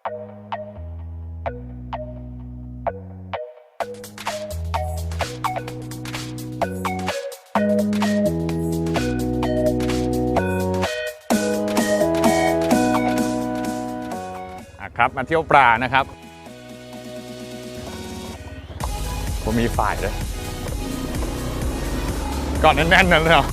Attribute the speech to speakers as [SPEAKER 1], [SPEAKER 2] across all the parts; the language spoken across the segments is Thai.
[SPEAKER 1] ครับมาเที่ยวปลานะครับผมมีฝ่ายเลยก่อนแน่นๆนั่นเลยเหรอ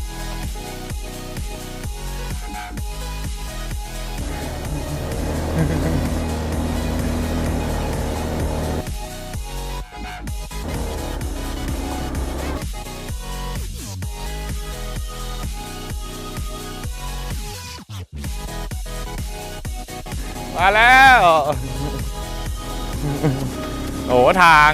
[SPEAKER 1] มาแล้วโอ้ทาง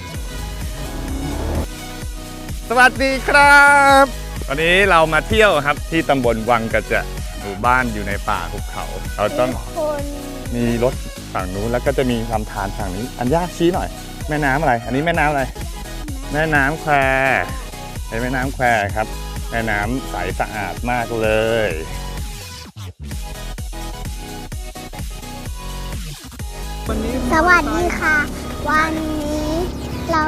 [SPEAKER 1] สวัสดีครับวันนี้เรามาเที่ยวครับที่ตำบลวังกระจะหมู่บ้านอยู่ในป่าภูเขาเราต้องมีรถฝั่งนู้นแล้วก็จะมีลำธารฝั่งนี้อันย่าชี้หน่อยแม่น้ำอะไรอันนี้แม่น้ำอะไรแม่น้ำแควเป็นแม่น้ำแควครับแม่น้ำใสสะอาดมากเลย
[SPEAKER 2] สวัสดีค่ะวันนี้เรา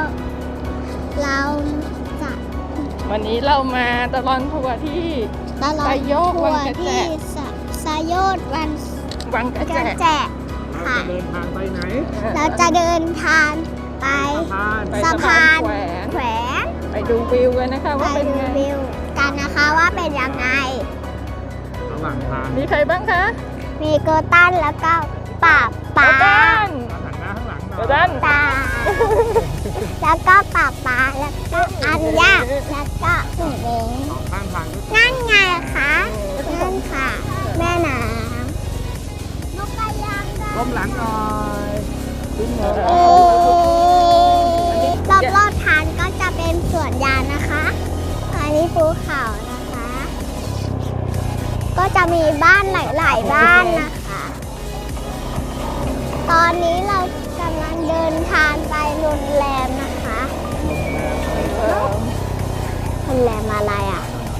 [SPEAKER 2] จะ
[SPEAKER 3] วันนี้เรามาตลอดทัวร์ที่ไซโยกวังกระแจ
[SPEAKER 2] ไซโยก
[SPEAKER 3] วังกระแจ
[SPEAKER 2] ค่ะ
[SPEAKER 4] เดินทางไปไหน
[SPEAKER 2] เราจะเดินทางไปสะพานแขวน
[SPEAKER 3] ไปดูวิวกันนะคะว่าเป็นไง
[SPEAKER 2] วิวกันนะคะว่าเป็นยังไง
[SPEAKER 4] ระหว่างทาง
[SPEAKER 3] มีใครบ้างคะ
[SPEAKER 2] มีโกตันแล้วก็ป่า
[SPEAKER 3] โกตัน
[SPEAKER 4] หันหน้าข้างหลังหน่
[SPEAKER 3] โก
[SPEAKER 4] อย
[SPEAKER 3] ตัน
[SPEAKER 2] ตาแล้วก็ป่าแล้วก็อันยาแล้วก็หนูเอง
[SPEAKER 4] สองข้างทางด้วย
[SPEAKER 2] นั่นไงคะนั่นค่ะแม่น้ำนกกระยางได้
[SPEAKER 4] ก้มหลังหน่อยขึ้นเลย
[SPEAKER 2] รอบทางก็จะเป็นสวนยางนะคะอันนี้ภูเขานะคะ ก็จะมีบ้านหลายๆบ้านนะคะ ตอนนี้เรากำลังเดินทางไปโรงแรมนะคะโรงแรมอะไรอ่ะ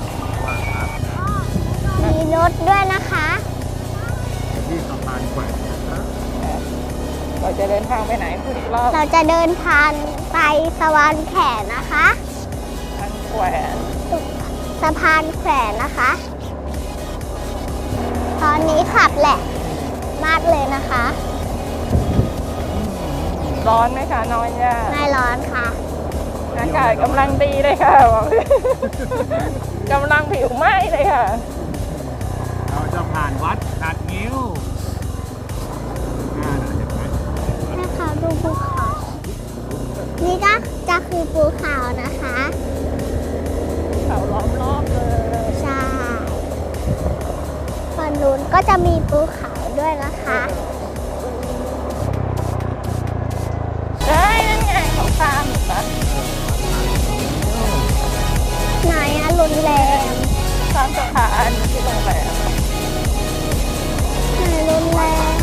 [SPEAKER 2] มีรถด้วยนะคะ
[SPEAKER 4] ที่สะพานแขวนนะครับ
[SPEAKER 3] เราจะเดินทางไปไหนพูดอีกรอบ
[SPEAKER 2] เราจะเดินทางไปสะพานแขวนนะคะ
[SPEAKER 3] ทางแขวน
[SPEAKER 2] สะพานแขวนนะคะ ตอนนี้ขับแหละมากเลยนะคะ
[SPEAKER 3] ร้อนไหมคะน้อยย่า
[SPEAKER 2] ไม่ร้อนค่ะ
[SPEAKER 3] อากาศกำลังดีเลยค่ะบอกกำลังผิวไหม้เลยค่ะ
[SPEAKER 4] เราจะผ่านวัดหัดงิ้วเห็นไหม
[SPEAKER 2] ให้เขาดูภูเขา นี่ก็จะคือภูเขานะคะ
[SPEAKER 3] เขาล้อมรอบเลย
[SPEAKER 2] ใช่ฝั่งนู้นก็จะมีภูเขาด้วยนะคะ
[SPEAKER 3] เฮ้ยนั่นไงเขาข้ามอยู่ปะ
[SPEAKER 2] ไหนอะโรงแรม
[SPEAKER 3] ข้ามสะพานที่โรงแรม
[SPEAKER 2] ไหนโรงแรม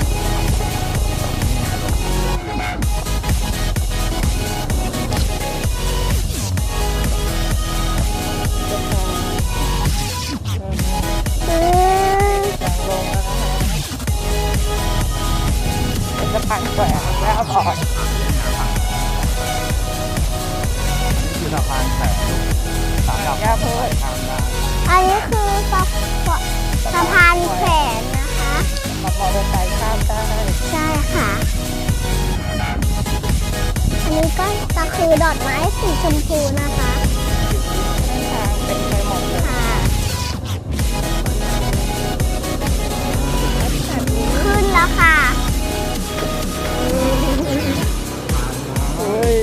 [SPEAKER 3] เป็นสะพานแขวนแล้วบอก
[SPEAKER 4] นี่คือสะพานแขวนสามดับ
[SPEAKER 3] ย่าเพิ่ม
[SPEAKER 4] ทางได้
[SPEAKER 2] อันนี้คือสะพานแขวนนะคะ
[SPEAKER 3] ขับมอเตอร์ไซค์ข้ามได้
[SPEAKER 2] ใช่ค่ะ อันนี้ก็จะคือดอกไม้สีชมพูนะคะ
[SPEAKER 3] เส้นทางเป็นไปหมดเลย
[SPEAKER 2] ค่ะ ขึ้นแล้วค่ะ
[SPEAKER 3] เฮ้ย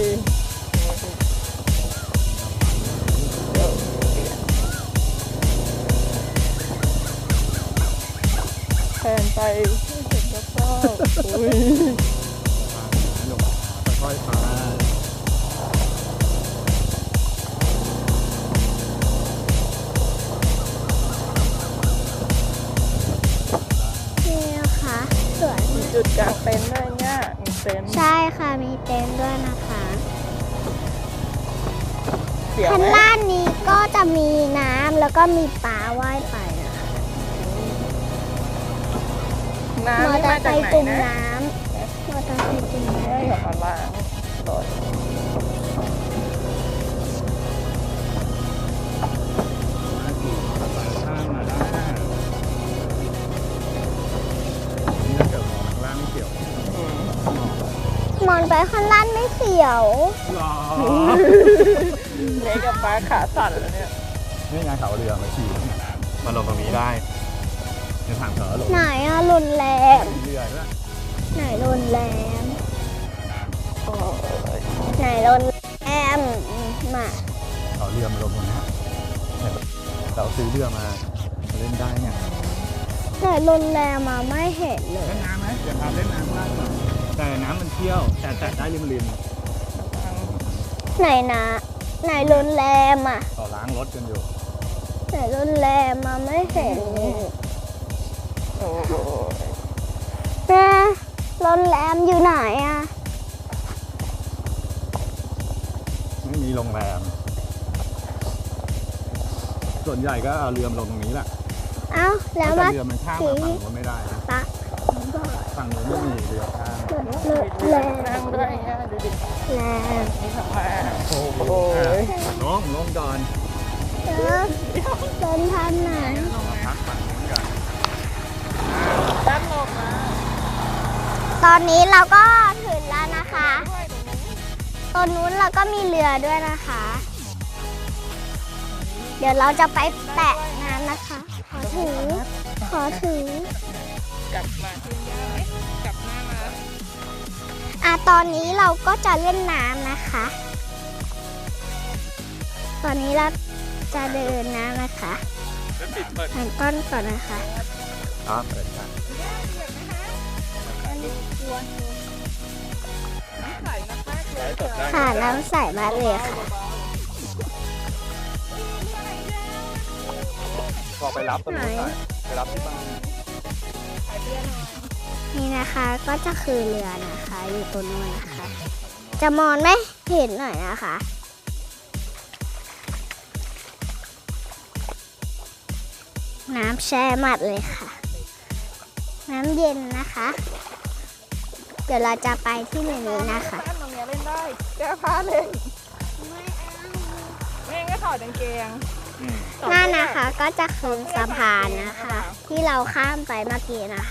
[SPEAKER 3] แทนไปเห็นแล้วก็อุ้ย
[SPEAKER 4] ค่อยๆไป
[SPEAKER 2] นี่นะคะสวน
[SPEAKER 3] มีจุดกลางเต็นท์ด้วยเนี่ยมีเต็นท์
[SPEAKER 2] ใช่ค่ะมีเต็นท์ด้วยนะคะ
[SPEAKER 3] เสียว
[SPEAKER 2] ข้าง
[SPEAKER 3] ไหม
[SPEAKER 2] ล่างนี้ก็จะมีน้ำแล้วก็มีปลาว่ายไปนะคะ
[SPEAKER 3] น้ำ
[SPEAKER 2] มอ
[SPEAKER 3] นี่
[SPEAKER 2] เตอ
[SPEAKER 3] มา
[SPEAKER 2] ร์ไซ
[SPEAKER 3] จาก
[SPEAKER 2] ค์
[SPEAKER 3] ไหน
[SPEAKER 2] จุ่ม
[SPEAKER 3] นะ
[SPEAKER 2] น้ำอตาเห็นจริง
[SPEAKER 3] ให้เขามาล้างรถ
[SPEAKER 1] สายข้ามมาได้นี่ถ้าเกิดมองข้างล่างไม่เกี่ยว
[SPEAKER 2] มอนไปข้างล่างไม่เสียว
[SPEAKER 1] หรอ
[SPEAKER 3] เล็กกับป้าขาสั่นแล้วเนี่ย
[SPEAKER 1] นี่ไงเขาเรือมาขี่มาลงตรงนี้ได้ในทางเถอะลง
[SPEAKER 2] ไหนอะรุนแรง
[SPEAKER 1] เรือด้วย
[SPEAKER 2] ไหนรุนแรง
[SPEAKER 3] โอ้ย
[SPEAKER 2] ไหนรุนแรง มา
[SPEAKER 1] เขาเรือมาลงตรงนี้เนี่ยเราซื้อเรือมาเล่นได้ไง
[SPEAKER 2] ไหนรุนแรงมาไม่เห็นเลย
[SPEAKER 1] เล่นน้ำไหมเดี๋ยวพาเล่นน้ำได้หน่อยแต่น้ำมันเที่ยวแต่แตะได้ริม
[SPEAKER 2] ไหนนะ ไหนรุนแรงอะ
[SPEAKER 1] ต่อล้างรถกันอยู่
[SPEAKER 2] ไหนรุนแรงมาไม่เห็นเลย
[SPEAKER 3] โอ้โห
[SPEAKER 2] นะรุนแรงอยู่ไหนอะ
[SPEAKER 1] ไม่มีโรงแรม ส่วนใหญ่ก็เอาเรือมาลงตรงนี้แหละ
[SPEAKER 2] เอ้าแล้ว
[SPEAKER 1] แต่
[SPEAKER 2] มา
[SPEAKER 1] เรือมันข้ามมาฝั่งนู้นไม่ได้นะ
[SPEAKER 2] ปะ
[SPEAKER 1] ฝั่งนู้นไม่มีเรือข้าม
[SPEAKER 2] รุนแรง
[SPEAKER 3] นั่งด้วยอ่ะดูดิ
[SPEAKER 2] แรง
[SPEAKER 3] นี่ทำมา
[SPEAKER 1] โอ้โหลงก่อน
[SPEAKER 2] เดินทางไหน
[SPEAKER 1] พักฝั่งนู้นก่อน
[SPEAKER 3] ด้านลงมา
[SPEAKER 2] ตอนนี้เราก็ถึงแล้วนะคะ
[SPEAKER 3] ด้วยตรงนี้
[SPEAKER 2] ตรงนู้นเราก็มีเรือด้วยนะคะ เดี๋ยวเราจะไปแตะน้ำนะคะ ขอถือ
[SPEAKER 3] กลับมาที่ย่าไหมกลับหน้ามา
[SPEAKER 2] ตอนนี้เราก็จะเล่นน้ำนะคะ ตอนนี้เราจะเดินน้ำนะคะ
[SPEAKER 1] แล้วปิดเปิด
[SPEAKER 2] หันก้อนก่อนนะคะ
[SPEAKER 1] ครับเปิดค่ะ
[SPEAKER 3] ย่าเปียกนะคะอันนี้กลัวอยู่น้ำใสมากๆเลย
[SPEAKER 2] ค่ะน้ำใสมากเลยค่ะ
[SPEAKER 1] พอไปรับตรงนู้นหน่อยไปรับที่บ้าน
[SPEAKER 2] นี่นะคะก็จะคือเรือนะคะ อยู่ตรงนู้นนะคะ จะมองไม่เห็นหน่อยนะคะ น้ำแช่หมัดเลยค่ะ น้ำเย็นนะคะ เดี๋ยวเราจะไปที่เรือนี้นะคะ
[SPEAKER 3] บ้านตรงเนี้ยเล่นได้แก้ผ้าเล่นแม่ก็ถอดกางเกง
[SPEAKER 2] นั่นนะคะก็จะคือสะพานนะคะ ที่เราข้ามไปเมื่อกี้นะคะ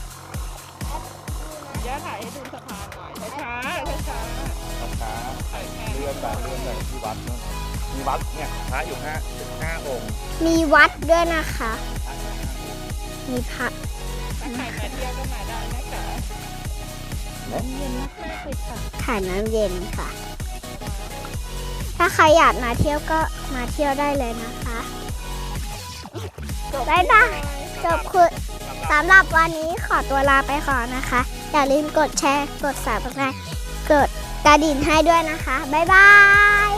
[SPEAKER 3] ย่าถ่ายให้ดูสะพานหน่อยช้าๆช้า
[SPEAKER 1] ช้าเลื่อนไปที่วัดนู่นมีวัดเนี่ยพระอยู่5องค์
[SPEAKER 2] มีวัดด้วยนะคะ มีพระ
[SPEAKER 3] ๆถ้าใครมาเที่ยวก็มาได้นะคะ เย็นมากๆเลยค่ะ
[SPEAKER 2] ถ่ายน้ำเย็นค่ะ ถ้าใครอยากมาเที่ยวก็มาเที่ยวได้เลยนะคะ บ๊ายบาย จบคือสำหรับวันนี้ขอตัวลาไปก่อนนะคะ อย่าลืมกดแชร์ กด Subscribe กดกระดิ่งให้ด้วยนะคะ บ๊ายบาย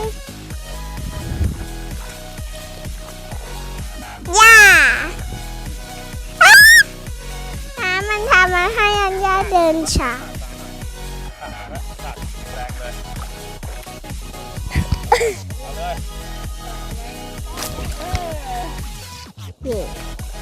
[SPEAKER 2] ย่าน้ำมันทำมาให้อันย่าเดินช้า
[SPEAKER 1] แรงเลยเอาเลย
[SPEAKER 2] เย่